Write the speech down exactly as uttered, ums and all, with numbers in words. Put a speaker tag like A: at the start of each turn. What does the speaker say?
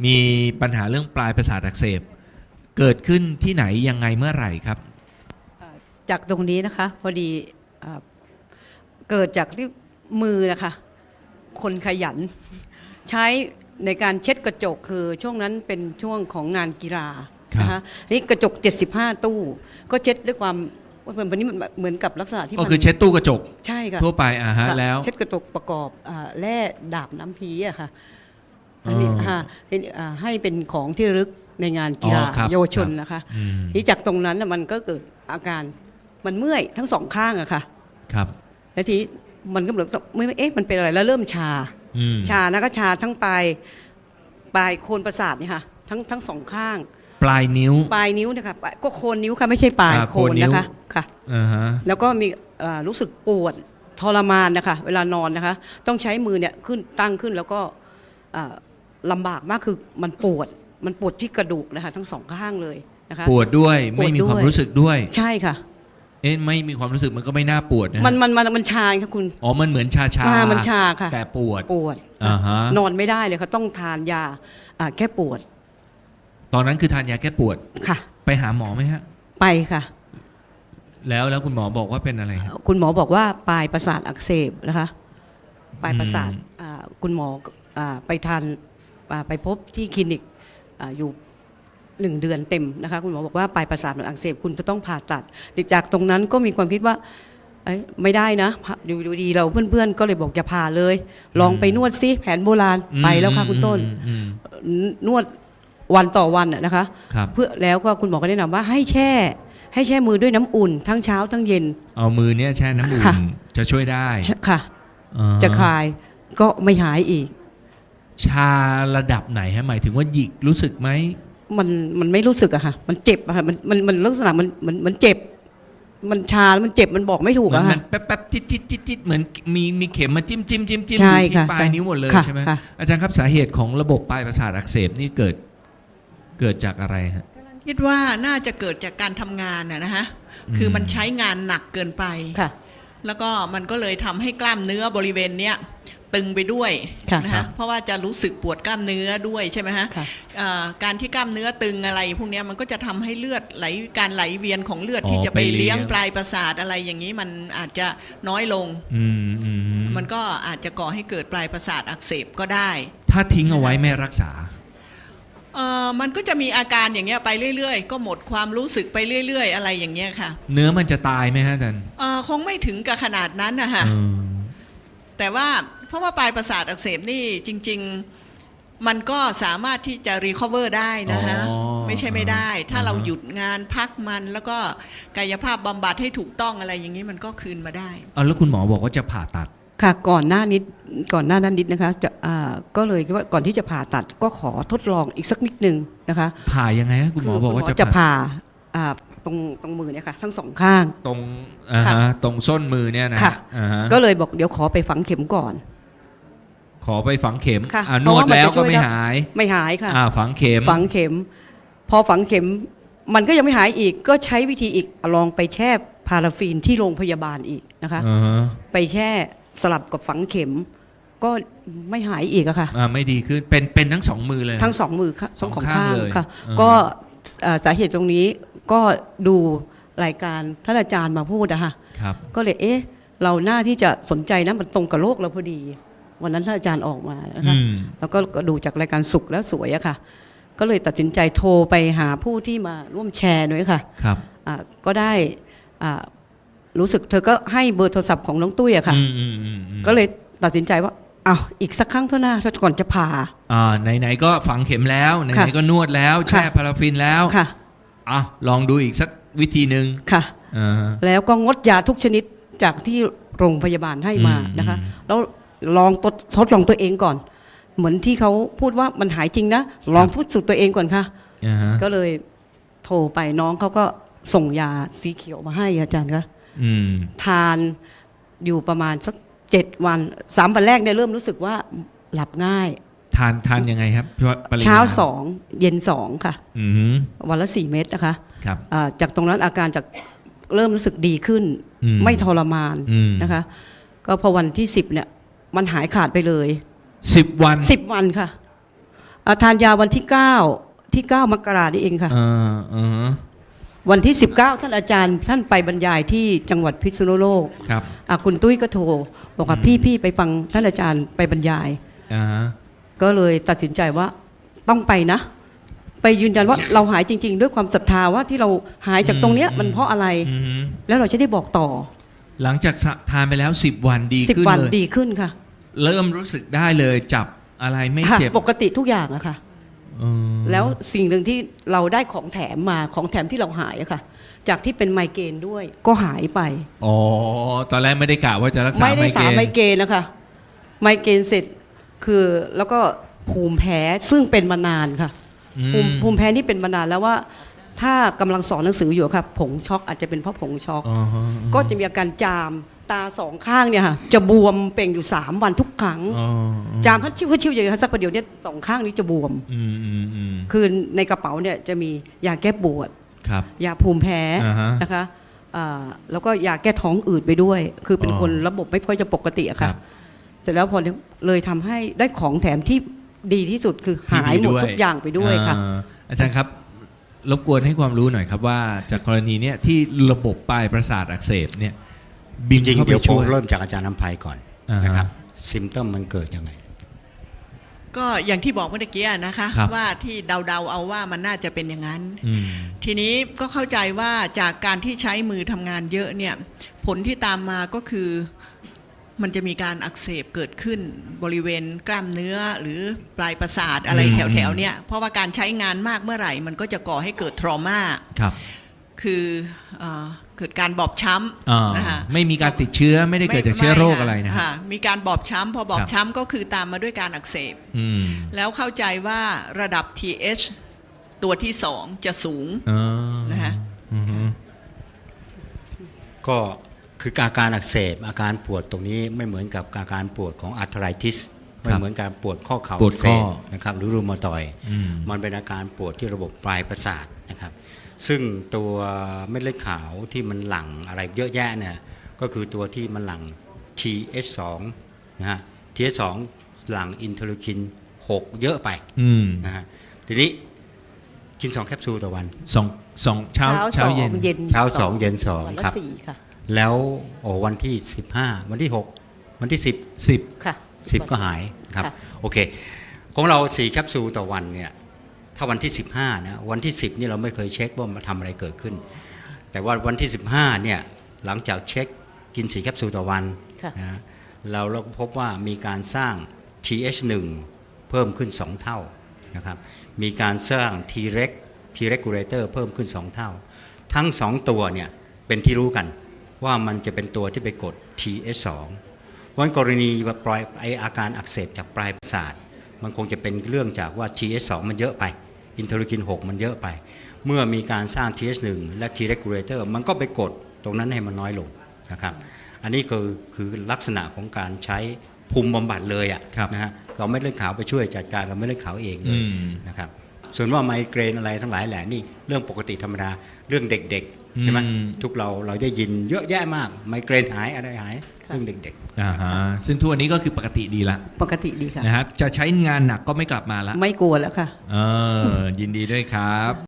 A: มีปัญหาเรื่องปลายประสาทอักเสบเกิดขึ้นที่ไหนยังไงเมื่อไหร่ครับ
B: จากตรงนี้นะคะพอดีเกิดจากที่มือนะคะคนขยันใช้ในการเช็ดกระจกคือช่วงนั้นเป็นช่วงของงานกีฬานะคะนี่กระจกเจ็ดสิบห้าตู้ก็เช็ดด้วยความวันนี้มันเหมือนกับลักษณะที่
A: ก็คือเช็ดตู้กระจก
B: ใช่ค่ะ
A: ทั่วไปอ่าฮะแล้ว
B: เช็ดกระจกประกอบแร่ดาบน้ำพีอะค่ะอันนี้ให้เป็นของที่ระลึกในงานกีฬาเยาวชนนะคะที่จากตรงนั้นมันก็เกิดอาการมันเมื่อยทั้งสองข้างอะค่ะ
A: ครับ
B: แล้วทีมันก็เหมือนไม่เอ๊ะมันเป็นอะไรแล้วเริ่มชาชานะก็ชาทั้งปลายปลายโคนประสาทนี่ค่ะทั้งทั้งสองข้าง
A: ปลายนิ้ว
B: ปลายนิ้วนะคะก็โคนนิ้วค่ะไม่ใช่ปลายโคนนะคะค่ะแล้วก็มีรู้สึกปวดทรมานนะคะเวลานอนนะคะต้องใช้มือเนี่ยขึ้นตั้งขึ้นแล้วก็ลำบากมากคือมันปวดมันปวดที่กระดูกนะคะทั้งสองข้างเลยนะคะ
A: ปวดด้วยไม่มีความรู้สึกด้วย
B: ใช่ค่ะ
A: เอ๊ะไม่มีความรู้สึกมันก็ไม่น่าปวดนะ
B: มันมันมันมันชาค่ะคุณ
A: อ๋อมันเหมือนชาชา
B: มันชาค่ะ
A: แต่ปวด
B: ปวดนอนไม่ได้เลยค่ะต้องทานยาแก้ปวด
A: ตอนนั้นคือทานยาแก้ปวด
B: ค่ะ
A: ไปหาหมอไหมฮะ
B: ไปค่ะ
A: แล้วแล้วคุณหมอบอกว่าเป็นอะไรครับ
B: คุณหมอบอกว่าปลายประสาทอักเสบนะคะปลายประสาทคุณหมอไปทานไปพบที่คลินิกอยู่หนึ่งเดือนเต็มนะคะคุณหมอบอกว่าปลายประสาทมันอักเสบคุณจะต้องผ่าตัดจากตรงนั้นก็มีความคิดว่าไม่ได้นะดูดีเราเพื่อนๆก็เลยบอกอย่าผ่าเลยลองไปนวดซิแผนโบราณไปแล้วค่ะคุณต้นนวดวันต่อวันนะคะเพื่อแล้วก็คุณหมอก็แนะนำว่าให้แช่ให้แช่มือด้วยน้ำอุ่นทั้งเช้าทั้งเย็น
A: เอามือเนี้ยแช่น้ำอุ่นจะช่วยได้
B: ค่ะจะคลายก็ไม่หายอีก
A: ชาระดับไหนฮะหมายถึงว่าหยิกรู้สึกไหม
B: มันมันไม่รู้สึกอะค่ะมันเจ็บอะค่ะมันมันมันลักษณะมันมันมันเจ็บมันชาแล้วมันเจ็บมันบอกไม่ถูกอะค่ะ
A: มันแป๊บแป๊บจิ๊ดจิ๊ดจิ๊ดจิ๊ดเหมือนมีมีเข็มมาจิ้มจิ้มจิ้มจิ้มอยู่ที่ปลายนิ้วหมดเลยใช่ไหมอาจารย์ครับสาเหตุของระบบปลายประสาทอักเสบนี่เกิดเกิดจากอะไรฮะ
C: คิดว่าน่าจะเกิดจากการทำงานนะฮะคือมันใช้งานหนักเกินไปแล้วก็มันก็เลยทำให้กล้ามเนื้อบริเวณเนี้ยตึงไปด้วยนะฮะเพราะว่าจะรู้สึกปวดกล้ามเนื้อด้วยใช่ไหมฮะการที่กล้ามเนื้อตึงอะไรพวกนี้มันก็จะทำให้เลือดไหลการไหลเวียนของเลือดที่จะไปเลี้ยงปลายประสาทอะไรอย่างนี้มันอาจจะน้อยลงมันก็อาจจะก่อให้เกิดปลายประสาทอักเสบก็ได้
A: ถ้าทิ้งเอาไว้ไม่รักษา
C: เอ่อมันก็จะมีอาการอย่างเงี้ยไปเรื่อยๆก็หมดความรู้สึกไปเรื่อยๆอะไรอย่างเงี้ยค่ะ
A: เนื้อมันจะตายไหมฮะอาจารย์
C: เอ่อคงไม่ถึงกับขนาดนั้นนะคะแต่ว่าเพราะว่าปลายประสาทอักเสบนี่จริงๆมันก็สามารถที่จะรีคอเวอร์ได้นะฮะไม่ใช่ไม่ได้ถ้าเราหยุดงานพักมันแล้วก็กายภาพบำบัดให้ถูกต้องอะไรอย่างนี้มันก็คืนมาได้
A: อ๋อแล้วคุณหมอบอกว่าจะผ่าตัด
B: ค่ะก่อนหน้านิดก่อนหน้านั้นนิดนะคะจะอ่าก็เลยคิดว่าก่อนที่จะผ่าตัดก็ขอทดลองอีกสักนิดนึงนะคะ
A: ผ่ายังไงคุณหมอบอกว่า
B: จะผ่าอ่าตรงตรงมือเนี่ยค่ะทั้งสองข้าง
A: ตรงอ่าฮะตรงส้นมือเนี่ยนะ
B: ค่ะก็เลยบอกเดี๋ยวขอไปฝังเข็มก่อน
A: ขอไปฝังเข็มนวดแล้วก็ไม่หาย
B: ไม่หายค่ะ
A: ฝังเข็ม
B: ฝังเข็มพอฝังเข็มมันก็ยังไม่หายอีกก็ใช้วิธีอีกลองไปแช่พาราฟีนที่โรงพยาบาลอีกนะคะไปแช่สลับกับฝังเข็มก็ไม่หายอีกอะค่ะ
A: ไม่ดีขึ้นเป็นเป็นทั้งสองมือเลย
B: ทั้งสองมือค่ะสองข้างเลยค่ะก็สาเหตุตรงนี้ก็ดูรายการท่านอาจารย์มาพูดอะค่ะก็เลยเอ๊ะเราหน้าที่จะสนใจนะมันตรงกับโลกเราพอดีวันนั้นท่านอาจารย์ออกมานะคะแล้วก็ดูจากรายการสุขแล้วสวยอะค่ะก็เลยตัดสินใจโทรไปหาผู้ที่มาร่วมแชร์ด้วยค่ะ
A: ครับ
B: ก็ได้รู้สึกเธอก็ให้เบอร์โทรศัพท์ของน้องตุ้ยอะค่ะก็เลยตัดสินใจว่าอ้าวอีกสักครั้งเท่านั้นก่อนจะผ่า
A: อ่าไหนๆก็ฝังเข็มแล้วไหนๆก็นวดแล้วแช่พาราฟินแล้ว
B: ค่ะ
A: อ่ะลองดูอีกสักวิธีหนึ่ง
B: ค่ะแล้วก็งดยาทุกชนิดจากที่โรงพยาบาลให้มานะคะแล้วลองทดทดลองตัวเองก่อนเหมือนที่เขาพูดว่ามันหายจริงนะลองพูดสุดตัวเองก่อนค่ะก็เลยโทรไปน้องเขาก็ส่งยาสีเขียวมาให้อาจารย์คะทานอยู่ประมาณสักเจ็ดวันสามวันแรกเนี่ยเริ่มรู้สึกว่าหลับง่าย
A: ทานทานยังไงครับ
B: เช้าสองเย็นสองค่ะวันละสี่เม็ดนะคะจากตรงนั้นอาการจากเริ่มรู้สึกดีขึ้นไม่ทรมานนะคะก็พอวันที่สิบเนี่ยมันหายขาดไปเลย
A: สิบวัน
B: สิบวันค่ะอ่าทานยาวันที่เก้าที่เก้ามกรานี่เองค่ะ
A: เออเออ
B: วันที่สิบเก้าท่านอาจารย์ท่านไปบรรยายที่จังหวัดพิษณุโลก
A: ครับ
B: อ่ะคุณตุ้ยก็โทรบอกว่า
A: อืม
B: พี่พี่ไปฟังท่านอาจารย์ไปบรรยาย
A: อ่าฮะ
B: ก็เลยตัดสินใจว่าต้องไปนะ ไปยืนยันว่าเราหายจริง ๆ ด้วยความศรัทธาว่าที่เราหายจากตรงเนี้ยมันเพราะอะไร
A: อืม
B: แล้วเราจะได้บอกต่อ
A: หลังจากทานไปแล้วสิบวันดี
B: สิบ
A: ขึ้น
B: วัน
A: เลย
B: ดีขึ้นค่ะ
A: เริ่มรู้สึกได้เลยจับอะไรไม่
B: ค่ะ
A: เจ็บ
B: ปกติทุกอย่างอะค่ะ
A: เออ
B: แล้วสิ่งหนึ่งที่เราได้ของแถมมาของแถมที่เราหายอะค่ะ จากที่เป็นไมเกรนด้วยก็หายไป
A: อ๋อตอนแรกไม่ได้กะว่าจะรักษา
B: ไม่ได้
A: ไมเก
B: สาร
A: รน
B: ไมเกรนนะคะ ไมเกรนเสร็จคือแล้วก็ภูมิแพ้ซึ่งเป็นมานานค่ะ
A: อืม
B: ภูมิภูมิแพ้นี่เป็นมานานแล้วว่า ถ้ากำลังสอนหนังสืออยู่ค่ะผงช็อกอาจจะเป็นเพราะผงช็อก
A: อ๋อฮะ
B: ก็จะมีอาการจามตาสองข้างเนี่ยค่ะจะบวมเป่งอยู่สามวันทุกครั้ง
A: อ๋อ
B: จามพัดชิวพัดชิวอย่างนี้ค่ะสักประเดี๋ยวเนี่ยสองข้างนี้จะบวม
A: อืมอืมอืม
B: คือในกระเป๋าเนี่ยจะมียาแก้ปวด
A: ครับ
B: ยาภูมิแพ้
A: อ่าฮะ
B: นะคะอ่าแล้วก็ยาแก้ท้องอืดไปด้วย คือเป็น
A: อ๋อ
B: คนระบบไม่ค่อยจะปกติอะ
A: ครั
B: ค่ะ
A: บ
B: เสร็จแล้วพอเลยทำให้ได้ของแถมที่ดีที่สุดคือหายหมดทุกอย่างไปด้วยค่ะ
A: อ่าอาจารย์ครับ รบกวนให้ความรู้หน่อยครับว่าจากกรณีเนี้ยที่ระบบปลายประสาทอักเสบเนี่ยบิน
D: จริง
A: เข้า
D: ๆ
A: ไป
D: เดี๋ยวผ
A: ช่
D: ม
A: วย
D: เริ่มจากอาจารย์น้ำภัยก่อน
A: อ่าฮะ
D: นะครับซิมเตมมันเกิดยังไง
C: ก็อย่างที่บอกเมื่อกี้นะคะ
A: ครับ
C: ว่าที่เดาๆเอาว่ามันน่าจะเป็นอย่างนั้น
A: อืม
C: ทีนี้ก็เข้าใจว่าจากการที่ใช้มือทำงานเยอะเนี่ยผลที่ตามมาก็คือมันจะมีการอักเสบเกิดขึ้นบริเวณกล้ามเนื้อหรือปลายประสาทอะไร
A: อืม
C: แถวๆเนี่ยเพราะว่าการใช้งานมากเมื่อไหร่ มันก็จะก่อให้เกิดทรมา
A: ครับ
C: คือเอ่อเกิดการบอบช้
A: อ่า
C: ำนะคะ
A: ไม่มีการติดเเชื้อไม่ได้เกิดจากเชื้อโรคอะไรนะ
C: ม่ค่มีการบอบช้ำพอบอ
A: ครับ บ
C: ช้ำก็คือตามมาด้วยการอักเสบ
A: อืม
C: แล้วเข้าใจว่าระดับ ที เอช ตัวที่สองจะสูง
A: อ๋อ
C: นะคะ
A: อือฮึ
D: ก็คืออาการอักเสบอาการปวดตรงนี้ไม่เหมือนกับอาการปวดของอาร์ทไรติสไม่เหมือนการปวดข้อเข่า
A: ปวด
D: อักเส
A: ข้อบ
D: นะครับหรือรูมาตอยด์
A: อืม
D: มันเป็นอาการปวดที่ระบบปลายประสาทนะครับซึ่งตัวเม็ดเลือดขาวที่มันหลั่งอะไรเยอะแยะเนี่ยก็คือตัวที่มันหลั่ง ที เอช สอง นะฮะ ที เอช สอง หลั่งอินเทอร์ลูคินหกเยอะไป
A: อืม
D: นะฮะทีนี้กินสองแคปซูลต่อวัน
A: สองสองเช้า
B: เช้า
A: เช้า
B: สอง
A: เย็น
B: เย็น
D: เช้าสองเย็นสอง
B: วันละ
D: ครับ
B: สี่ค่ะ
D: แล้วโอ้วันที่สิบห้าวันที่หกวันที่สิบ
A: สิบ
B: ค่ะ
D: สิบก็หายครับ
B: ค่ะ
D: โอเคของเราสี่แคปซูลต่อวันเนี่ยถ้าวันที่สิบห้านะวันที่สิบนี่เราไม่เคยเช็คว่ามันทำอะไรเกิดขึ้น แต่ว่าวันที่สิบห้าเนี่ยหลังจากเช็คกินสี่แคปซูลต่อวัน
B: ค่ะ
D: นะเราเราก็พบว่ามีการสร้าง ที เอช หนึ่ง เพิ่มขึ้นสองเท่านะครับมีการสร้าง T-reg T-regulator เพิ่มขึ้นสองเท่า ทั้งสองตัวเนี่ยเป็นที่รู้กันว่ามันจะเป็นตัวที่ไปกด ที เอช สอง วันกรณีปลายไออาการอักเสบจากปลายประสาทมันคงจะเป็นเรื่องจากว่า ที เอช สอง มันเยอะไปอินเทอร์ลูคินหกมันเยอะไป เมื่อมีการสร้าง ที เอช หนึ่ง และ T-regulator มันก็ไปกดตรงนั้นให้มันน้อยลงนะครับอันนี้คือคือลักษณะของการใช้ภูมิบำบัดเลยอ่ะ
A: ครับ
D: นะฮะเราไม่เลือดขาวไปช่วยจัดการกับไม่เลือดขาวเองเล
A: อื
D: ย
A: ม
D: นะครับส่วนว่าไมเกรนอะไรทั้งหลายแหล่นี่เรื่องปกติธรรมดาเรื่องเด็กๆใช่ไหม
A: อืม
D: ทุกเราเราได้ยินเยอะแยะมากไมเกรนหายอะไรหายเรื่องเด็กๆ
A: อ่าฮะซึ่งทุกวันนี้ก็คือปกติดีละ
B: ปกติดีค่ะ
A: นะฮะจะใช้งานหนักก็ไม่กลับมาละ
B: ไม่กลัวแล้วค่ะ
A: เออยินดีด้วยครับ